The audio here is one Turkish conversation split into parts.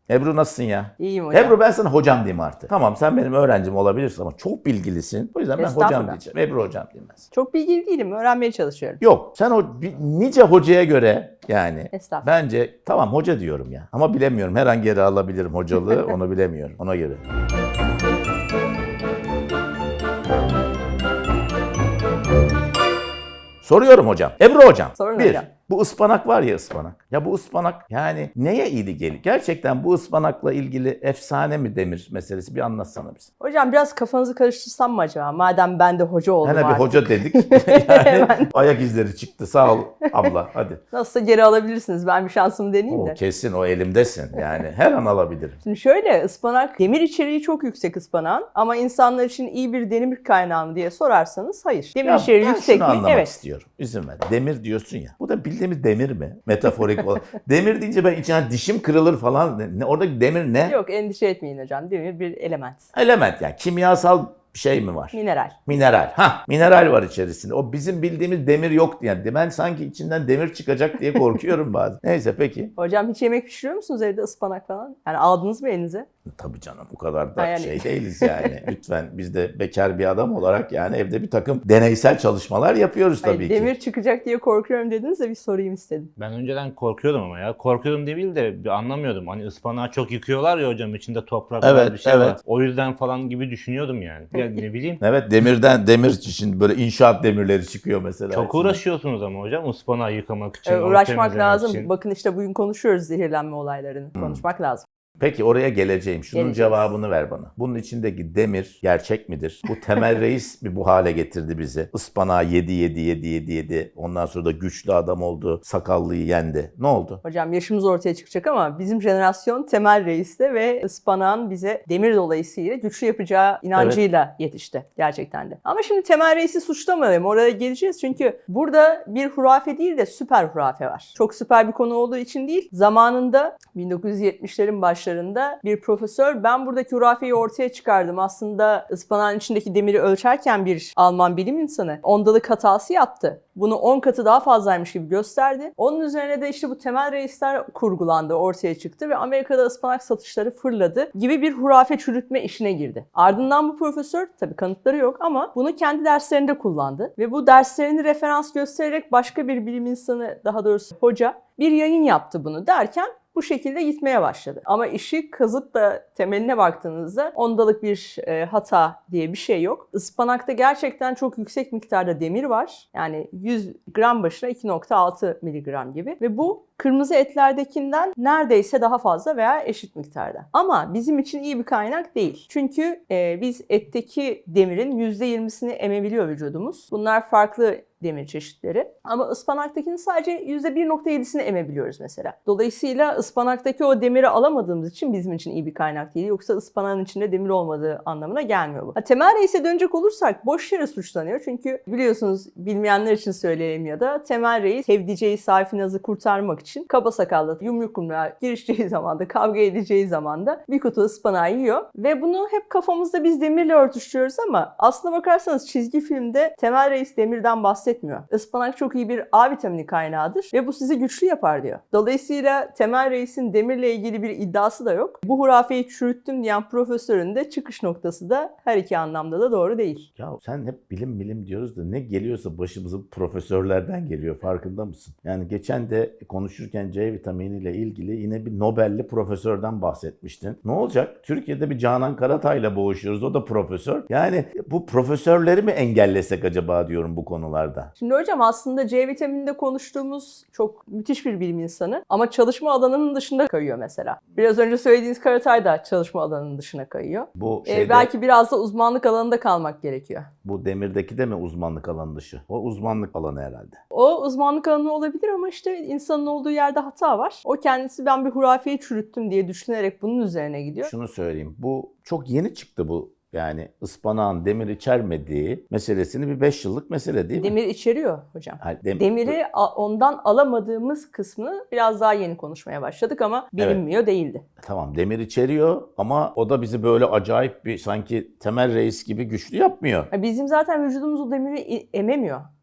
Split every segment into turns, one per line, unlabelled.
Ebru nasılsın ya?
İyiyim hocam.
Ebru ben sana hocam diyeyim artık. Tamam sen benim öğrencim olabilirsin ama çok bilgilisin. O yüzden ben hocam
Estağfurullah.
diyeceğim. Ebru hocam diyeyim ben sana.
Çok bilgili değilim. Öğrenmeye çalışıyorum.
Yok sen nice hocaya göre yani
Estağfurullah.
bence tamam hoca diyorum ya. Ama bilemiyorum her hangi yere alabilirim hocalığı onu bilemiyorum ona göre. Soruyorum hocam. Ebru hocam.
Sorun
bir,
hocam.
bu ıspanak var ya ıspanak. Ya bu ıspanak yani neye iyi gelir? Gerçekten bu ıspanakla ilgili efsane mi demir meselesi bir anlatsana bize.
Hocam biraz kafanızı karıştırsam mı acaba? Madem ben de hoca oldum
Hani bir
artık.
hoca dedik. Yani ayak izleri çıktı. Sağ ol abla hadi.
Nasılsa geri alabilirsiniz. Ben bir şansımı deneyeyim
O
de.
kesin o elimdesin. Yani her an alabilirim.
Şimdi şöyle ıspanak demir içeriği çok yüksek ıspanağın ama insanlar için iyi bir demir kaynağı mı diye sorarsanız hayır. Demir
Ya
içeriği
ben
yüksek
şunu
mi?
anlamak
Evet.
istiyorum. İzin ver. Demir diyorsun ya. Bu da bildiğimiz demir mi? Metaforik olarak. Demir deyince ben içine dişim kırılır falan. Oradaki demir ne?
Yok endişe etmeyin hocam. Demir bir element.
Element yani. Kimyasal bir şey mi var?
Mineral.
Mineral. Mineral var içerisinde. O bizim bildiğimiz demir yoktu yani. Ben sanki içinden demir çıkacak diye korkuyorum bazen. Neyse peki.
Hocam hiç yemek pişiriyor musunuz evde ıspanak falan? Yani aldınız mı elinize?
Tabii canım bu kadar da
Yani.
şey değiliz yani. Lütfen biz de bekar bir adam olarak yani evde bir takım deneysel çalışmalar yapıyoruz tabii
Hayır,
ki.
demir çıkacak diye korkuyorum dediniz de bir sorayım istedim.
Ben önceden korkuyordum ama ya. Korkuyordum değil de bir anlamıyordum. Hani ıspanağı çok yıkıyorlar ya hocam içinde toprak
Evet,
var bir şey
evet.
var. O yüzden falan gibi düşünüyordum yani. Ya ne bileyim.
Evet demir için böyle inşaat demirleri çıkıyor mesela.
Çok
içinde.
uğraşıyorsunuz ama hocam ıspanağı yıkamak için. onu
Uğraşmak
temizlemek
lazım.
için.
Bakın işte bugün konuşuyoruz zehirlenme olaylarını. Konuşmak lazım.
Peki oraya geleceğim. Şunun
Geleceğiz.
cevabını ver bana. Bunun içindeki demir gerçek midir? Bu Temel Reis mi bu hale getirdi bizi? Ispanağı yedi. Ondan sonra da güçlü adam oldu. Sakallıyı yendi. Ne oldu?
Hocam yaşımız ortaya çıkacak ama bizim jenerasyon Temel Reis'te ve ıspanağın bize demir dolayısıyla güçlü yapacağı inancıyla yetişti gerçekten de. Ama şimdi Temel Reis'i suçlamayalım. Oraya geleceğiz çünkü burada bir hurafe değil de süper hurafe var. Çok süper bir konu olduğu için değil. Zamanında 1970'lerin başlarında bir profesör ben buradaki hurafeyi ortaya çıkardım. Aslında ıspanağın içindeki demiri ölçerken bir Alman bilim insanı ondalık hatası yaptı. Bunu 10 katı daha fazlaymış gibi gösterdi. Onun üzerine de işte bu Temel Reisler kurgulandı, ortaya çıktı ve Amerika'da ıspanak satışları fırladı gibi bir hurafe çürütme işine girdi. Ardından bu profesör, tabii kanıtları yok ama bunu kendi derslerinde kullandı ve bu derslerini referans göstererek başka bir bilim insanı, daha doğrusu hoca bir yayın yaptı bunu derken bu şekilde gitmeye başladı. Ama işi kazıp da temeline baktığınızda ondalık bir hata diye bir şey yok. Ispanakta gerçekten çok yüksek miktarda demir var. Yani 100 gram başına 2,6 miligram gibi. Ve bu kırmızı etlerdekinden neredeyse daha fazla veya eşit miktarda. Ama bizim için iyi bir kaynak değil. Çünkü biz etteki demirin %20'sini emebiliyor vücudumuz. Bunlar farklı demir çeşitleri. Ama ıspanaktakinin sadece %1,7'sini emebiliyoruz mesela. Dolayısıyla ıspanaktaki o demiri alamadığımız için bizim için iyi bir kaynak değil. Yoksa ıspanağın içinde demir olmadığı anlamına gelmiyor bu. Temel Reis'e dönecek olursak boş yere suçlanıyor. Çünkü biliyorsunuz bilmeyenler için söyleyelim ya da Temel Reis sevdiceği Sayfinaz'ı kurtarmak için kaba sakallı yumruk yumruğa girişeceği zamanda, kavga edeceği zamanda bir kutu ıspanağı yiyor. Ve bunu hep kafamızda biz demirle örtüştürüyoruz ama aslına bakarsanız çizgi filmde Temel Reis demirden bahsetmiyor. Ispanak çok iyi bir A vitamini kaynağıdır ve bu sizi güçlü yapar diyor. Dolayısıyla Temel Reis'in demirle ilgili bir iddiası da yok. Bu hurafeyi çürüttüm diyen profesörün de çıkış noktası da her iki anlamda da doğru değil.
Ya sen hep bilim diyoruz da ne geliyorsa başımıza profesörlerden geliyor farkında mısın? Yani geçen de konuşurken C vitaminiyle ilgili yine bir Nobel'li profesörden bahsetmiştin. Ne olacak? Türkiye'de bir Canan Karatay'la boğuşuyoruz. O da profesör. Yani bu profesörleri mi engellesek acaba diyorum bu konularda.
Şimdi hocam aslında C vitamininde konuştuğumuz çok müthiş bir bilim insanı ama çalışma alanının dışında kayıyor mesela. Biraz önce söylediğiniz Karatay da çalışma alanının dışına kayıyor.
Bu şeyde,
Belki biraz da uzmanlık alanında kalmak gerekiyor.
bu demirdeki de mi uzmanlık alanı dışı? O uzmanlık alanı herhalde.
O uzmanlık alanı olabilir ama işte insanın olduğu yerde hata var. O kendisi ben bir hurafeyi çürüttüm diye düşünerek bunun üzerine gidiyor.
Şunu söyleyeyim. Bu çok yeni çıktı bu. Yani ıspanağın demir içermediği meselesini bir 5 yıllık mesele değil mi?
Demir içeriyor hocam.
Hayır,
Demiri ondan alamadığımız kısmını biraz daha yeni konuşmaya başladık ama bilinmiyor değildi.
Tamam demir içeriyor ama o da bizi böyle acayip bir sanki Temel Reis gibi güçlü yapmıyor.
Bizim zaten vücudumuz o demiri ememiyor.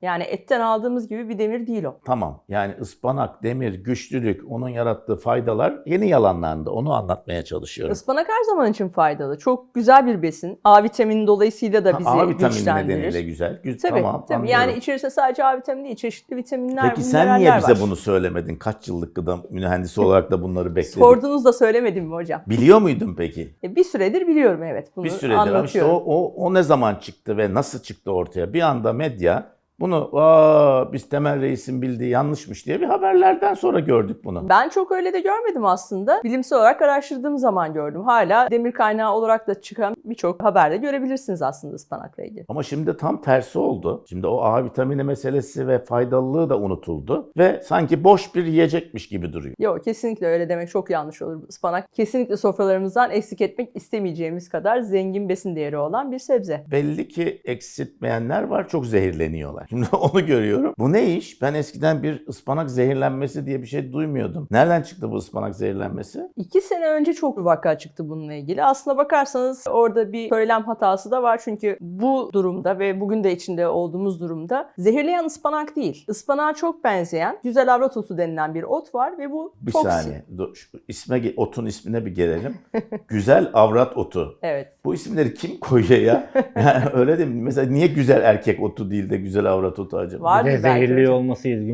Yani etten aldığımız gibi bir demir değil o.
Tamam. Yani ıspanak, demir, güçlülük, onun yarattığı faydalar yeni yalanlarında. Onu anlatmaya çalışıyorum.
Ispanak her zaman için faydalı. Çok güzel bir besin. A vitamini dolayısıyla da bizi
A vitamini
güçlendirir.
nedeniyle güzel.
Tabii,
Tamam,
tabii.
anlıyorum.
Yani içerisinde sadece A vitamini değil, çeşitli vitaminler,
Peki sen niye
mineraller
bize
var.
bunu söylemedin? Kaç yıllık gıda mühendisi olarak da bunları bekledik.
Sordunuz da söylemedim mi hocam?
Biliyor muydun peki?
Bir süredir biliyorum, evet. Bunu
Bir süredir ama işte
anlatıyorum.
o ne zaman çıktı ve nasıl çıktı ortaya? Bir anda medya bunu biz Temel Reis'in bildiği yanlışmış diye bir haberlerden sonra gördük bunu.
Ben çok öyle de görmedim aslında. Bilimsel olarak araştırdığım zaman gördüm. Hala demir kaynağı olarak da çıkan birçok haberde görebilirsiniz aslında ıspanakla ilgili.
Ama şimdi tam tersi oldu. Şimdi o A vitamini meselesi ve faydalılığı da unutuldu ve sanki boş bir yiyecekmiş gibi duruyor.
Yok, kesinlikle öyle demek çok yanlış olur. Ispanak kesinlikle sofralarımızdan eksik etmek istemeyeceğimiz kadar zengin besin değeri olan bir sebze.
Belli ki eksiltmeyenler var, çok zehirleniyorlar. Şimdi onu görüyorum. Bu ne iş? Ben eskiden bir ıspanak zehirlenmesi diye bir şey duymuyordum. Nereden çıktı bu ıspanak zehirlenmesi?
2 sene önce çok bir vaka çıktı bununla ilgili. Aslına bakarsanız orada bir söylem hatası da var. Çünkü bu durumda ve bugün de içinde olduğumuz durumda zehirleyen ıspanak değil. Ispanağa çok benzeyen güzel avrat otu denilen bir ot var ve bu
Bir
toksin.
saniye. Dur, şu otun ismine bir gelelim. Güzel avrat otu.
Evet.
Bu isimleri kim koyuyor ya? Yani öyle değil mi? Mesela niye güzel erkek otu değil de güzel avrat otu acaba?
Var
Bir de
mı belki
zehirli
hocam?
olması ilginç.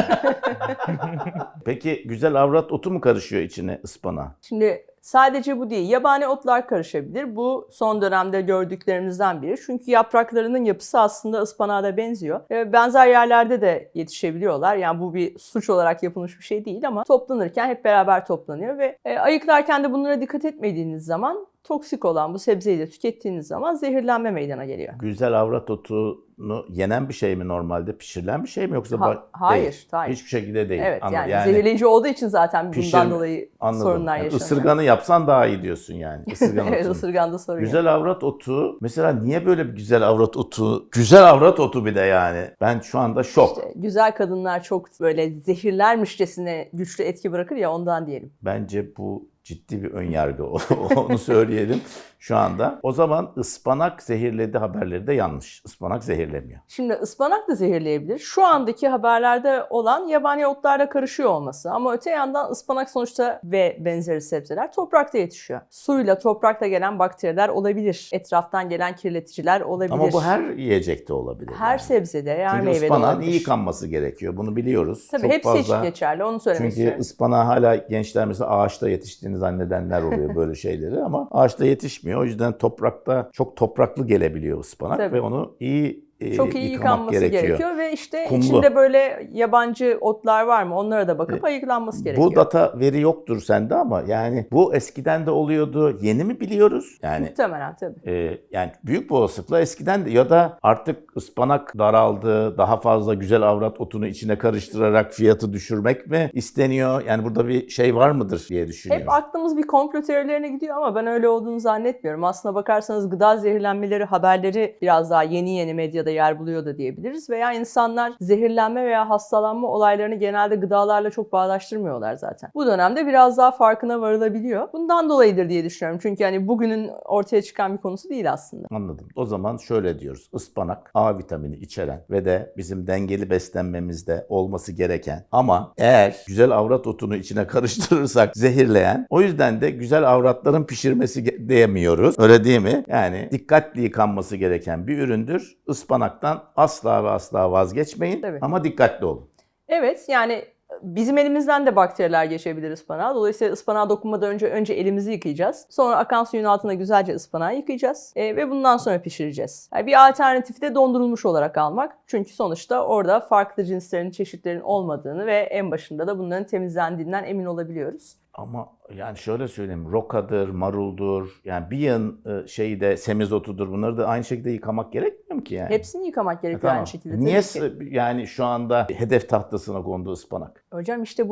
Peki güzel avrat otu mu karışıyor içine ıspanağa?
Şimdi sadece bu değil. Yabani otlar karışabilir. Bu son dönemde gördüklerimizden biri. Çünkü yapraklarının yapısı aslında ıspanağa da benziyor. Benzer yerlerde de yetişebiliyorlar. Yani bu bir suç olarak yapılmış bir şey değil ama toplanırken hep beraber toplanıyor ve ayıklarken de bunlara dikkat etmediğiniz zaman toksik olan bu sebzeyi de tükettiğiniz zaman zehirlenme meydana geliyor.
Güzel avrat otunu yenen bir şey mi normalde? Pişirilen bir şey mi yoksa
Hayır,
değil.
hayır.
Hiçbir şekilde değil.
Evet,
Ama
yani zehirleyici olduğu için zaten
pişirme-
bundan dolayı
Anladım.
sorunlar
Yani
yaşanıyor.
ısırganı yapsan daha iyi diyorsun yani. Isırgan
Evet,
otunu.
ısırganda sorun yok.
Güzel avrat otu. Mesela niye böyle bir güzel avrat otu? Güzel avrat otu bir de yani. Ben şu anda şok.
İşte güzel kadınlar çok böyle zehirlermişçesine güçlü etki bırakır ya, ondan diyelim.
Bence bu ciddi bir ön yargı. Onu söyleyelim şu anda. O zaman ıspanak zehirledi haberleri de yanlış. Ispanak zehirlemiyor.
Şimdi ıspanak da zehirleyebilir. Şu andaki haberlerde olan yabani otlarla karışıyor olması. Ama öte yandan ıspanak sonuçta ve benzeri sebzeler toprakta yetişiyor. Suyla, toprakla gelen bakteriler olabilir. Etraftan gelen kirleticiler olabilir.
Ama bu her yiyecekte olabilir.
Her
yani.
sebzede, her
Çünkü
meyvede
ıspanağın
olabilir.
iyi yıkanması gerekiyor. Bunu biliyoruz.
Tabii
Çok
hepsi
fazla...
için geçerli. Onu söylemek
Çünkü
istiyorum.
ıspanağı hala gençler mesela ağaçta yetiştiğini zannedenler oluyor böyle şeyleri ama ağaçta yetişmiyor. O yüzden toprakta çok topraklı gelebiliyor ıspanak
Tabii.
ve onu iyi
Çok iyi
yıkamak
yıkanması gerekiyor ve işte
Kumlu.
içinde böyle yabancı otlar var mı onlara da bakıp ayıklanması gerekiyor.
Bu data veri yoktur sende ama yani bu eskiden de oluyordu. Yeni mi biliyoruz? Yani
Muhtemelen tabii.
yani büyük bir olasılıkla eskiden de ya da artık ıspanak daraldı, daha fazla güzel avrat otunu içine karıştırarak fiyatı düşürmek mi isteniyor? Yani burada bir şey var mıdır diye düşünüyorum.
Hep aklımız bir komplo teorilerine gidiyor ama ben öyle olduğunu zannetmiyorum. Aslına bakarsanız gıda zehirlenmeleri haberleri biraz daha yeni medyada yer buluyor da diyebiliriz. Veya insanlar zehirlenme veya hastalanma olaylarını genelde gıdalarla çok bağdaştırmıyorlar zaten. Bu dönemde biraz daha farkına varılabiliyor. Bundan dolayıdır diye düşünüyorum. Çünkü hani bugünün ortaya çıkan bir konusu değil aslında.
Anladım. O zaman şöyle diyoruz. Ispanak A vitamini içeren ve de bizim dengeli beslenmemizde olması gereken ama eğer güzel avrat otunu içine karıştırırsak zehirleyen, o yüzden de güzel avratların pişirmesi diyemiyoruz. Öyle değil mi? Yani dikkatli yıkanması gereken bir üründür. Ispanaktan asla ve asla vazgeçmeyin.
Tabii.
Ama dikkatli olun.
Evet, yani bizim elimizden de bakteriler geçebilir ıspanağa. Dolayısıyla ıspanağa dokunmadan önce elimizi yıkayacağız. Sonra akan suyun altına güzelce ıspanağı yıkayacağız. Ve bundan sonra pişireceğiz. Yani bir alternatifi de dondurulmuş olarak almak. Çünkü sonuçta orada farklı cinslerin, çeşitlerin olmadığını ve en başında da bunların temizlendiğinden emin olabiliyoruz.
Ama yani şöyle söyleyeyim, rokadır, maruldur, yani bir yığın şeyi de semizotudur, bunları da aynı şekilde yıkamak gerekmiyor mu ki yani?
Hepsini yıkamak gerekiyor
Tamam.
aynı şekilde.
Niye
tabii ki.
yani şu anda hedef tahtasına kondu ıspanak?
Hocam işte bu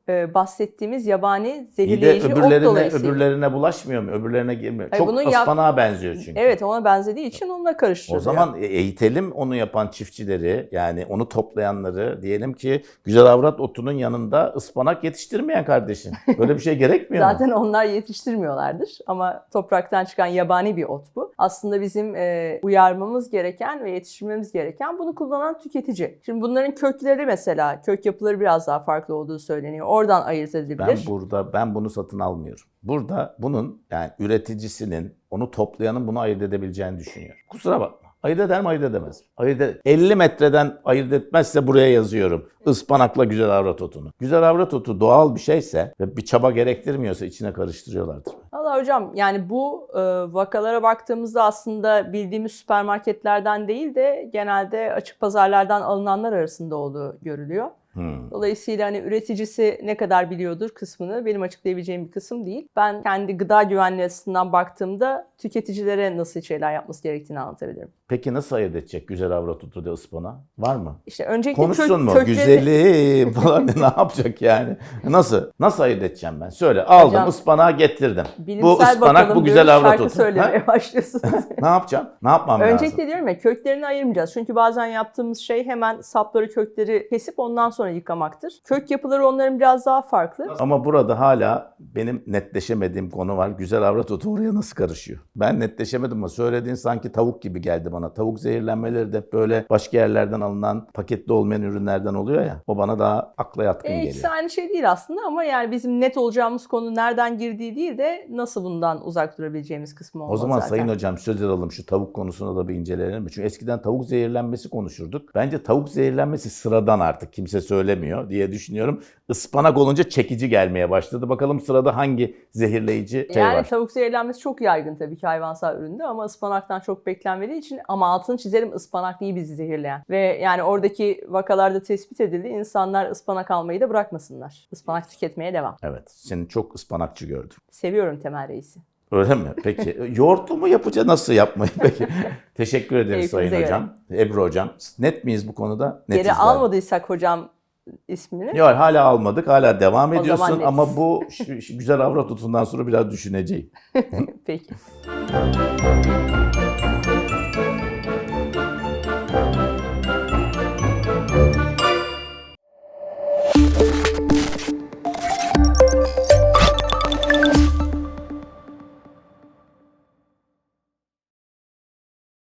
bahsettiğimiz yabani
İyi de
zehirleyici ot dolayısıyla.
öbürlerine bulaşmıyor mu? Öbürlerine girmiyor.
Hayır,
Çok
bunun
ıspanağa benziyor çünkü.
Evet, ona benzediği için onunla
O
karıştırılıyor.
zaman eğitelim onu yapan çiftçileri, yani onu toplayanları. Diyelim ki güzel avrat otunun yanında ıspanak yetiştirmeyen kardeşim. Böyle bir şey gerekmiyor mu?
Zaten onlar yetiştirmiyorlardır ama topraktan çıkan yabani bir ot bu. Aslında bizim uyarmamız gereken ve yetiştirmemiz gereken bunu kullanan tüketici. Şimdi bunların kökleri mesela, kök yapıları biraz daha farklı olduğu söyleniyor. Oradan ayırt edilebilir.
Ben bunu satın almıyorum. Burada bunun, yani üreticisinin, onu toplayanın bunu ayırt edebileceğini düşünüyorum. Kusura bakma. Ayırt eder mi, ayırt edemez mi? 50 metreden ayırt etmezse buraya yazıyorum. Ispanakla güzel avrat otunu. Güzel avrat otu doğal bir şeyse ve bir çaba gerektirmiyorsa içine karıştırıyorlardır.
Valla hocam, yani bu vakalara baktığımızda aslında bildiğimiz süpermarketlerden değil de genelde açık pazarlardan alınanlar arasında olduğu görülüyor. Dolayısıyla hani üreticisi ne kadar biliyordur kısmını benim açıklayabileceğim bir kısım değil. Ben kendi gıda güvenliği açısından baktığımda tüketicilere nasıl şeyler yapması gerektiğini anlatabilirim.
Peki nasıl ayırt edecek güzel avrat otu da ıspanağı? Var mı?
İşte öncelikle
Konuşsun mu?
köklerini-
Güzelim falan ne yapacak yani? Nasıl ayırt edeceğim ben? Söyle, aldım
Hocam,
ıspanağı getirdim.
Bilimsel
Bu ıspanak,
bakalım
bu güzel
diyoruz,
avrat
şarkı
otu.
söylemeye başlıyorsunuz.
Ne yapacağım? Ne yapmam lazım?
Öncelikle diyorum ya, köklerini ayırmayacağız. Çünkü bazen yaptığımız şey hemen sapları, kökleri kesip ondan sonra yıkamaktır. Kök yapıları onların biraz daha farklı.
Ama burada hala benim netleşemediğim konu var. Güzel avrat otu oraya nasıl karışıyor? Ben netleşemedim ama söylediğin sanki tavuk gibi geldi bana. Tavuk zehirlenmeleri de böyle başka yerlerden alınan, paketli olmayan ürünlerden oluyor ya. O bana daha akla yatkın geliyor.
İkisi aynı şey değil aslında ama yani bizim net olacağımız konu nereden girdiği değil de nasıl bundan uzak durabileceğimiz kısmı olmalı
O zaman
zaten.
Sayın Hocam söz alalım, şu tavuk konusuna da bir inceleyelim mi? Çünkü eskiden tavuk zehirlenmesi konuşurduk. Bence tavuk zehirlenmesi sıradan, artık kimse söylemiyor diye düşünüyorum. Ispanak olunca çekici gelmeye başladı. Bakalım sırada hangi zehirleyici şey
Yani
var?
tavuk zehirlenmesi çok yaygın tabii ki hayvansal üründe ama ıspanaktan çok beklenmediği için, ama altını çizelim, ıspanak değil bizi zehirleyen. Ve yani oradaki vakalarda tespit edildi. İnsanlar ıspanak almayı da bırakmasınlar. Ispanak tüketmeye devam.
Evet, seni çok ıspanakçı gördüm.
Seviyorum Temel Reis'i.
Öyle mi? Peki yoğurtlu mu yapacağız? Nasıl yapmayı? Peki. Teşekkür ederiz Sayın
Keyfinize
Hocam. Ebru Hocam. Net miyiz bu konuda? Netiz
Geri
galiba.
almadıysak hocam ismini.
Yok, hala almadık. Hala devam
O zaman
ediyorsun
netiz.
ama bu güzel avrat otundan sonra biraz düşüneceğim.
Peki.